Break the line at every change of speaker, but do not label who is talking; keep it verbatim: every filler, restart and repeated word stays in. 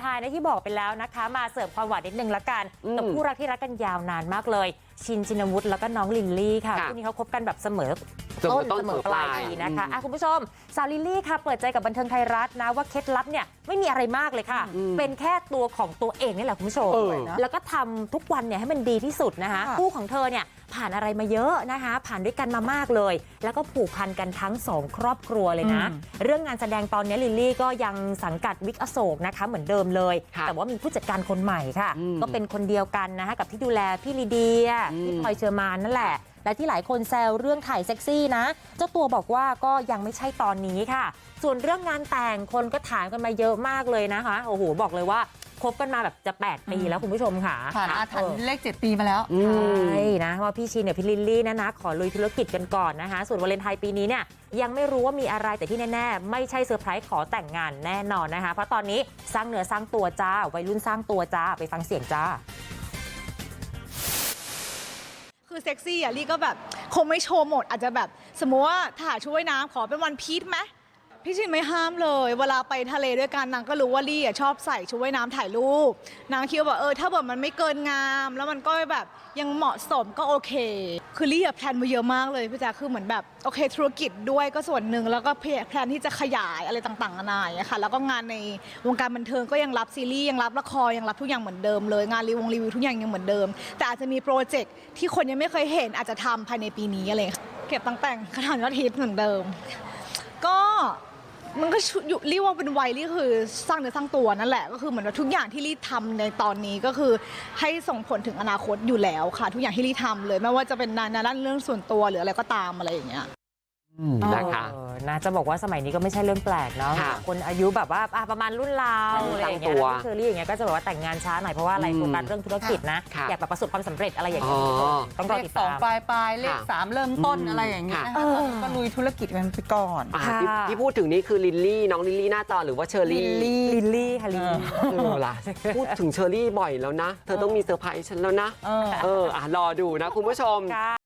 ท้ายนะที่บอกไปแล้วนะคะมาเสิร์ฟความหวานนิดนึงละกันกับคู่รักที่รักกันยาวนานมากเลยชินชินวุฒิแล้วก็น้องลิลลี่ค่ะคู่นี้เขาคบกันแบบเสมอต้นเสมอปลายปีนะคะอ่ะคุณผู้ชมสาวลิลลี่ค่ะเปิดใจกับบันเทิงไทยรัฐนะว่าเคล็ดลับเนี่ยไม่มีอะไรมากเลยค่ะเป็นแค่ตัวของตัวเองนี่แหละคุณผู้ชมแล้วก็ทำทุกวันเนี่ยให้มันดีที่สุดนะคะคู่ของเธอเนี่ยผ่านอะไรมาเยอะนะคะผ่านด้วยกันมามากเลยแล้วก็ผูกพันกันทั้งสองครอบครัวเลยนะเรื่องงานแสดงตอนนี้ลิลลี่ก็ยังสังกัดวิกอโศกนะคะเหมือนเดิมเลยแต่ว่ามีผู้จัดการคนใหม่ค่ะก็เป็นคนเดียวกันนะคะกับที่ดูแลพี่ลีเดียพี่พลอยเชอร์มานนั่นแหละและที่หลายคนแซวเรื่องถ่ายเซ็กซี่นะเจ้าตัวบอกว่าก็ยังไม่ใช่ตอนนี้ค่ะส่วนเรื่องงานแต่งคนก็ถามกันมาเยอะมากเลยนะคะโอ้โหบอกเลยว่าคบกันมาแบบจะแปดปีแล้วคุณผู้ชมค่ะ
ผ่านอาถรรพ์เลขเจ็ดปีมาแล้ว
ใช่นะว่าพี่ชินเนี่ยพี่ลิลลี่นะนะขอลุยธุรกิจกันก่อนนะคะส่วนวาเลนไทน์ปีนี้เนี่ยยังไม่รู้ว่ามีอะไรแต่ที่แน่ๆไม่ใช่เซอร์ไพรส์ขอแต่งงานแน่นอนนะคะเพราะตอนนี้สร้างเนื้อสร้างตัวจ้าวัยรุ่นสร้างตัวจ้าไปฟังเสียงจ้า
คือเซ็กซี่อ่ะลี่ก็แบบคงไม่โชว์หมดอาจจะแบบสมมติว่าถ่ายชุดว่ายน้ำขอเป็นวันพีชไหมพี่ชินไม่ห้ามเลยเวลาไปทะเลด้วยกันนางก็รู้ว่าลี่อ่ะชอบใส่ชุดว่ายน้ำถ่ายรูปนางคิดว่าเออถ้าแบบมันไม่เกินงามแล้วมันก็แบบยังเหมาะสมก็โอเคคือลี่อะแพลนมาเยอะมากเลยพี่แจ๊คคือเหมือนแบบโอเคธุรกิจด้วยก็ส่วนหนึ่งแล้วก็แพลนที่จะขยายอะไรต่างๆนานาอย่างเงี้ยค่ะแล้วก็งานในวงการบันเทิงก็ยังรับซีรีส์ยังรับละครยังรับทุกอย่างเหมือนเดิมเลยงานรีวงรีวิวทุกอย่างยังเหมือนเดิมแต่อาจจะมีโปรเจกต์ที่คนยังไม่เคยเห็นอาจจะทำภายในปีนี้อะไรเก็บตั้งแต่งขนาดยอดฮิตเหมือนเดิมก็มันก็เรียกว่าเป็นวัยที่คือสร้างเนื้อสร้างตัวนั่นแหละก็คือเหมือนว่าทุกอย่างที่ลี่ทำในตอนนี้ก็คือให้ส่งผลถึงอนาคตอยู่แล้วค่ะทุกอย่างที่ลี่ทำเลยไม่ว่าจะเป็นในด้านเรื่องส่วนตัวหรืออะไรก็ตามอะไรอย่างเงี้ย
นะคะนะจะบอกว่าสมัยนี้ก็ไม่ใช่เรื่องแปลกเนาะคนอายุแบบว่าประมาณรุ่นเราอะไรอย่างเงี้ยเชอรี่อย่างเงี้ยก็จะแบบว่าแต่งงานช้าหน่อยเพราะว่าอะไรโฟกัสเรื่องธุรกิจนะอยากแบบประสบความสำเร็จอะไรอย่างเงี้ยต้องรอติดตาม
เลขสองปลายปลายเลขสามเริ่มต้นอะไรอย่างเงี้ยก็ลุยธุรกิจกันไปก่อน
ที่พูดถึงนี่คือลิลลี่น้องลิลลี่หน้าจอหรือว่าเชอรี่
ลิลลี่ค่ะลิลลี่
เออล่ะพูดถึงเชอรี่บ่อยแล้วนะเธอต้องมีเซอร์ไพรส์ฉันแล้วนะเอออ่ะรอดูนะคุณผู้ชม